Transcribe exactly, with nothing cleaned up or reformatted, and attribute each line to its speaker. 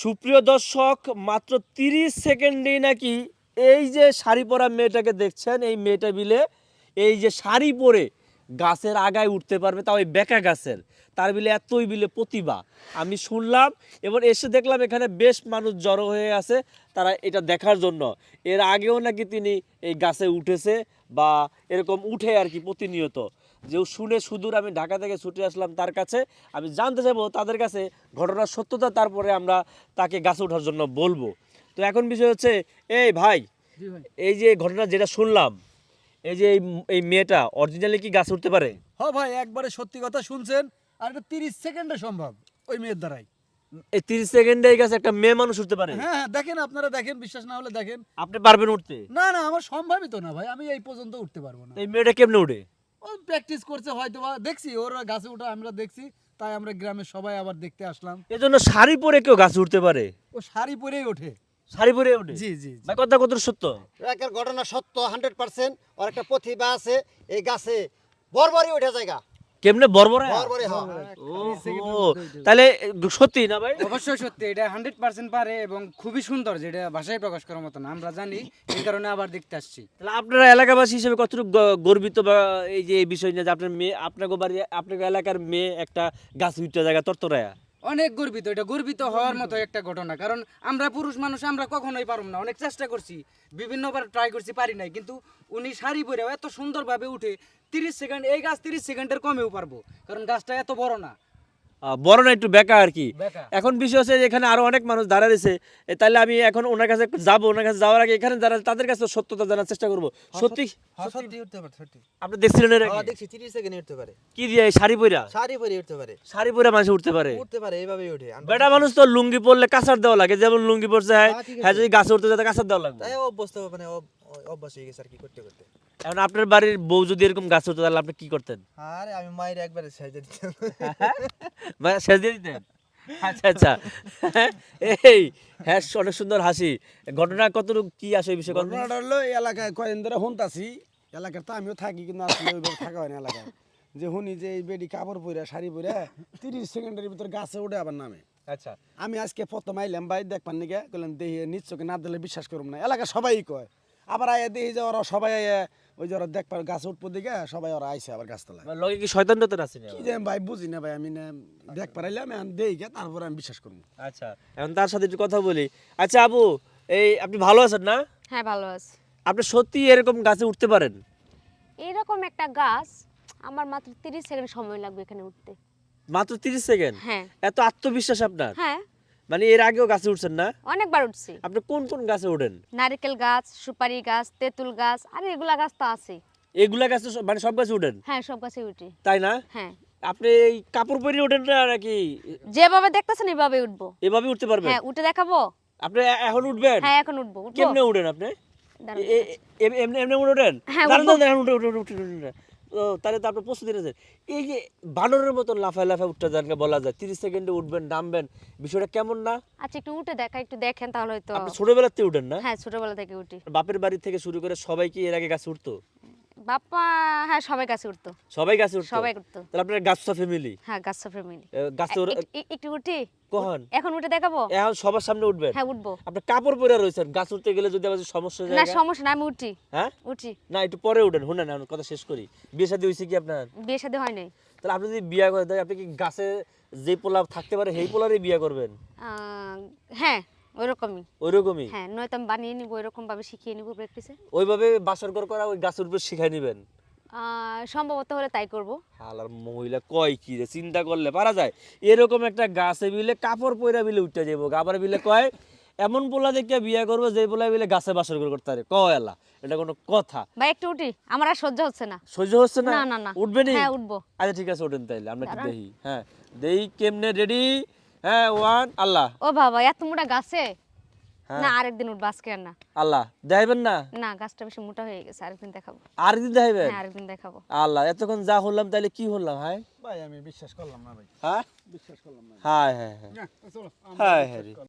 Speaker 1: সুপ্রিয় দর্শক, মাত্র তিরিশ সেকেন্ডেই নাকি এই যে শাড়ি পরা মেয়েটাকে দেখছেন, এই মেয়েটা বিলে এই যে শাড়ি পরে গাছের আগায় উঠতে পারবে, তাও এই বেকা গাছের। তার বিলে এতই বিলে প্রতিভা আমি শুনলাম, এবং এসে দেখলাম এখানে বেশ মানুষ জড়ো হয়ে আছে তারা এটা দেখার জন্য। এর আগেও নাকি তিনি এই গাছে উঠেছে বা এরকম উঠে আর কি প্রতিনিয়ত। যে শুনে সুদূর আমি ঢাকা থেকে ছুটে আসলাম তার কাছে, আমি জানতে চাইবো তাদের কাছে ঘটনার সত্যতা, তারপরে আমরা তাকে গাছে ওঠার জন্য বলবো। তো এখন বিষয় হচ্ছে, এই ভাই, এই যে ঘটনা যেটা শুনলাম, এই যে এই মেয়েটা অরিজিনালি কি গাছে উঠতে পারে?
Speaker 2: হ্যাঁ ভাই, একবারে সত্যি কথা শুনছেন। আর এটা তিরিশ সেকেন্ডে সম্ভব ওই মেয়ের দ্বারাই।
Speaker 1: এই তিরিশ সেকেন্ডে এই গাছে একটা মেয়ে মানুষ উঠতে পারে?
Speaker 2: হ্যাঁ হ্যাঁ, দেখেন, আপনারা দেখেন, বিশ্বাস না হলে দেখেন।
Speaker 1: আপনি পারবেন উঠতে?
Speaker 2: না না, আমার সম্ভবই তো না ভাই, আমি এই পর্যন্ত উঠতে পারবো না।
Speaker 1: এই মেয়েটা কেমনে উঠে?
Speaker 2: ও প্র্যাকটিস করছে হয়তো, বা দেখছি ওর গাছে ওঠা আমরা দেখছি, তাই আমরা গ্রামের সবাই আবার দেখতে আসলাম।
Speaker 1: এজন্য শাড়ি পরে কেউ গাছে উঠতে পারে?
Speaker 2: ও শাড়ি পরেই ওঠে।
Speaker 1: শাড়ি পরে ওঠে?
Speaker 2: জি জি জি।
Speaker 1: ভাই কথা কত সত্য?
Speaker 3: একের ঘটনা সত্য হান্ড্রেড পার্সেন্ট। ওর একটা প্রতিভা আছে, এই গাছে বরবরই উঠে জায়গা।
Speaker 1: কেমনে বরবরে?
Speaker 3: বরবরই হয়।
Speaker 1: ও তাহলে সত্যি না ভাই?
Speaker 4: অবশ্যই সত্যি, এটা হান্ড্রেড পার্সেন্ট পারে এবং খুবই সুন্দর, যেটা ভাষায় প্রকাশ করার মতো না, আমরা জানি, এই কারণে আবার দেখতে আসছি।
Speaker 1: তাহলে আপনারা এলাকাবাসী হিসেবে কতটুকু গ- গর্বিত বা এই যে এই বিষয় নিয়ে যে আপনার মেয়ে, আপনার বাড়ি, আপনার এলাকার মেয়ে একটা গাছ উঠতে জায়গা তরতরায়া?
Speaker 4: অনেক গর্বিত, এটা গর্বিত হওয়ার মতো একটা ঘটনা, কারণ আমরা পুরুষ মানুষ, আমরা কখনোই পারব না। অনেক চেষ্টা করছি, বিভিন্নবার ট্রাই করছি, পারি নাই, কিন্তু উনি শাড়ি পরে এত সুন্দরভাবে উঠে তিরিশ সেকেন্ড, এই গাছ তিরিশ সেকেন্ডের কমেও পারবো, কারণ গাছটা এত বড় না।
Speaker 1: আহ, বড় না, একটু বেকা আর কি।
Speaker 4: বেকা।
Speaker 1: এখন বিষয় হচ্ছে যে এখানে আরো অনেক মানুষ দাঁড়া রয়েছে, এ, তাহলে আমি এখন ওনার কাছে একটু যাবো। ওনার কাছে যাওয়ার আগে এখানে যারা তাদের কাছে সত্যতা জানার চেষ্টা করবো। সত্যি
Speaker 3: হ্যাঁ, সত্যি উঠতে পারে, সত্যি।
Speaker 1: আপনি দেখছিলেন এর আগে?
Speaker 3: হ্যাঁ, দেখছি তিরিশ সেকেন্ডে উঠতে পারে।
Speaker 1: কি দিয়ে এই শাড়ি পরা?
Speaker 3: শাড়ি পরে উঠতে পারে।
Speaker 1: শাড়ি পরে মানুষ উঠতে পারে?
Speaker 3: উঠতে পারে, এইভাবেই উঠে।
Speaker 1: বেটা মানুষ তো লুঙ্গি পরলে কাঁচার দেওয়া লাগে, যেমন লুঙ্গি পরছে হ্যাঁ,
Speaker 3: হ্যাঁ, ঠিক আছে।
Speaker 1: হ্যাঁ যদি গাছে উঠতে যেতে কাঁচার দেওয়া লাগবে।
Speaker 3: তাই অভ্যস্ত, মানে অভ- অভ্যাস হয়ে গেছে আর কি করতে করতে।
Speaker 1: এখন আপনার বাড়ির বউ যদি এরকম গাছে উঠতে, তাহলে আপনি কি করতেন?
Speaker 3: আরে আমি মায়ের একবারে সাইজে দিতাম।
Speaker 1: ভাই শেষ দিয়ে দিতেন? আচ্ছা আচ্ছা। এই হ্যাঁ, অনেক সুন্দর হাসি। ঘটনা কতটুকু কি আসে এই বিষয়ে?
Speaker 2: ঘটনাটা হলো, এই এলাকায় কয়েকদিন ধরে শুনতাছি, এলাকার তো আমিও থাকি, কিন্তু আসলে ওইভাবে থাকা হয় না এলাকায়। যে শুনি যে এই বেডি কাপড় পরে শাড়ি পরে তিরিশ সেকেন্ডের ভিতর গাছে উঠে আবার নামে।
Speaker 1: আচ্ছা,
Speaker 2: আমি আজকে প্রথম আইলাম ভাই, দেখবার নিকে কইলাম দেখি নিশ্চয়কে না দিলে বিশ্বাস করুম না। এলাকা সবাই কয়, আবার আয়া দেখি যে ওরা সবাই আয়া ওই যে ওরা দেখবার গাছ উঠবো দিকে সবাই ওরা আইসে আবার গাছতলায়।
Speaker 1: লগে কি শয়তান টয়তান আছে না?
Speaker 2: কি যে আমি ভাই বুঝি না ভাই, আমি না দেখবার আইলাম, আমি দেখি গে, তারপরে আমি বিশ্বাস করবো।
Speaker 1: আচ্ছা, এখন তার সাথে একটু কথা বলি। আচ্ছা আপু, এই আপনি ভালো আছেন না?
Speaker 5: হ্যাঁ ভালো আছি।
Speaker 1: আপনি সত্যি এরকম গাছে উঠতে পারেন?
Speaker 5: এরকম একটা গাছ আমার মাত্র তিরিশ সেকেন্ড সময় লাগবে এখানে উঠতে।
Speaker 1: মাত্র তিরিশ সেকেন্ড?
Speaker 5: হ্যাঁ
Speaker 1: এত আত্মবিশ্বাস আপনার?
Speaker 5: হ্যাঁ,
Speaker 1: মানে এর আগেও গাছে উঠছেন না?
Speaker 5: অনেকবার উঠছি।
Speaker 1: আপনি কোন কোন গাছে ওঠেন?
Speaker 5: নারকেল গাছ, সুপারি গাছ, তেঁতুল গাছ, আর এগুলা গাছ তো আছে।
Speaker 1: এগুলা গাছে সব- মানে সব গাছে উঠেন?
Speaker 5: হ্যাঁ সব গাছে উঠি।
Speaker 1: তাই না?
Speaker 5: হ্যাঁ,
Speaker 1: আপনি এই কাপড় পরে ওঠেন না নাকি
Speaker 5: যেভাবে দেখতেছেন এভাবে উঠবো।
Speaker 1: এভাবে উঠতে পারবেন?
Speaker 5: হ্যাঁ উঠে দেখাবো।
Speaker 1: আপনি এ- এখন উঠবেন?
Speaker 5: হ্যাঁ এখন উঠবো। উঠবো?
Speaker 1: কেমনে উঠেন আপনি?
Speaker 5: দাঁড়ান,
Speaker 1: এ- এ- এ- এমনি এমনি উঠেন?
Speaker 5: হ্যাঁ,
Speaker 1: দাঁড়ান,
Speaker 5: উঠবো।
Speaker 1: দাঁড়ান, দাঁড়ান, উঠে, উঠে, উঠে, উঠে, উঠে, উঠে। ও, তাহলে তো আপনার প্রস্তুতি রয়েছে। এই যে বানরের মতন লাফায় লাফায় উঠতে যান বলা যায়, তিরিশ সেকেন্ডে উঠবেন, নামবেন, বিষয়টা কেমন না?
Speaker 5: আচ্ছা একটু উঠে দেখা, একটু দেখেন তাহলে হয়তো।
Speaker 1: আপনি ছোটবেলাতে উঠেন না?
Speaker 5: হ্যাঁ ছোটবেলা থেকে উঠি।
Speaker 1: বাপের বাড়ি থেকে শুরু করে সবাই কি এর আগে গাছে উঠতো?
Speaker 5: বাপ্পা, হ্যাঁ সবাই গাছে উঠতো।
Speaker 1: সবাই গাছে উঠতো?
Speaker 5: সবাই উঠতো।
Speaker 1: তাহলে আপনার গাছটা ফ্যামিলি?
Speaker 5: হ্যাঁ গাছ ফ্যামিলি।
Speaker 1: গাছে ওর-
Speaker 5: একটু উঠি।
Speaker 1: কখন?
Speaker 5: এখন উঠে দেখাবো।
Speaker 1: এখন সবার সামনে উঠবেন?
Speaker 5: হ্যাঁ উঠবো।
Speaker 1: আপনি কাপড় পরে রয়েছেন, গাছ উঠতে গেলে যদি আবার সমস্যা হয়ে
Speaker 5: না
Speaker 1: যায়?
Speaker 5: সমস্যা না, আমি উঠি।
Speaker 1: হ্যাঁ,
Speaker 5: উঠি।
Speaker 1: না একটু পরে উঠেন, শুনেন আমি কথা শেষ করি। বিয়ে শাদী হয়েছে কি আপনার?
Speaker 5: বিয়ে শাদী হয় নাই।
Speaker 1: তাহলে আপনি যদি বিয়ে করে দেয়, আপনি কি গাছে যে পোলা থাকতে পারে সেই পোলারই বিয়ে করবেন?
Speaker 5: আহ, হ্যাঁ ওইরকমই।
Speaker 1: ওইরকমই?
Speaker 5: হ্যাঁ নয়তো আমি বানিয়ে নিব, এরকম ভাবে শিখিয়ে নিব প্র্যাকটিসে।
Speaker 1: ওইভাবে বাসর ঘর করা ওই গাছের উপর শিখাই নিবেন?
Speaker 5: সম্ভবত হলে তাই করব।
Speaker 1: হালার মহিলা কয় কি রে, চিন্তা করলে পারা যায়? এরকম একটা গাছে বিলে কাপড় পয়রা বিলে উঠতে যাবো, আবার বিলে কয় এমন পোলা দেখে বিয়ে করবো যে পোলা বিলে গাছে বাসর ঘর করতে পারে। কয় এলা, এটা কোনো কথা?
Speaker 5: ভাই একটু উঠি, আমার আর সহ্য হচ্ছে না।
Speaker 1: সহ্য হচ্ছে না?
Speaker 5: না না না।
Speaker 1: উঠবেনি?
Speaker 5: হ্যাঁ উঠবো।
Speaker 1: আচ্ছা ঠিক আছে, ওঠেন তাইলে আমরা কি
Speaker 5: দাঁড়ান।
Speaker 1: দেখি। হ্যাঁ দেই কেমনে, রেডি? হ্যাঁ, ওয়ান, আল্লাহ।
Speaker 5: ও বাবা এত মোটা গাছে।
Speaker 1: হ্যাঁ।
Speaker 5: না আরেকদিন উঠবো, আজকে আর না।
Speaker 1: আল্লাহ দেখাইবেন না?
Speaker 5: না গাছটা বেশি মোটা হয়ে গেছে, আরেকদিন দেখাবো।
Speaker 1: আর দিন দেখাইবেন?
Speaker 5: হ্যাঁ আরেকদিন দেখাবো।
Speaker 1: আল্লাহ, এতক্ষণ যা হলাম তাহলে কি হলাম? হায়
Speaker 2: ভাই আমি বিশ্বাস করলাম না ভাই,
Speaker 1: হ্যাঁ,
Speaker 2: বিশ্বাস করলাম না।
Speaker 1: হায় হায় হায়
Speaker 2: না, চলো, আমরা
Speaker 1: হায়
Speaker 2: বিশ্বাস
Speaker 1: হায় রে।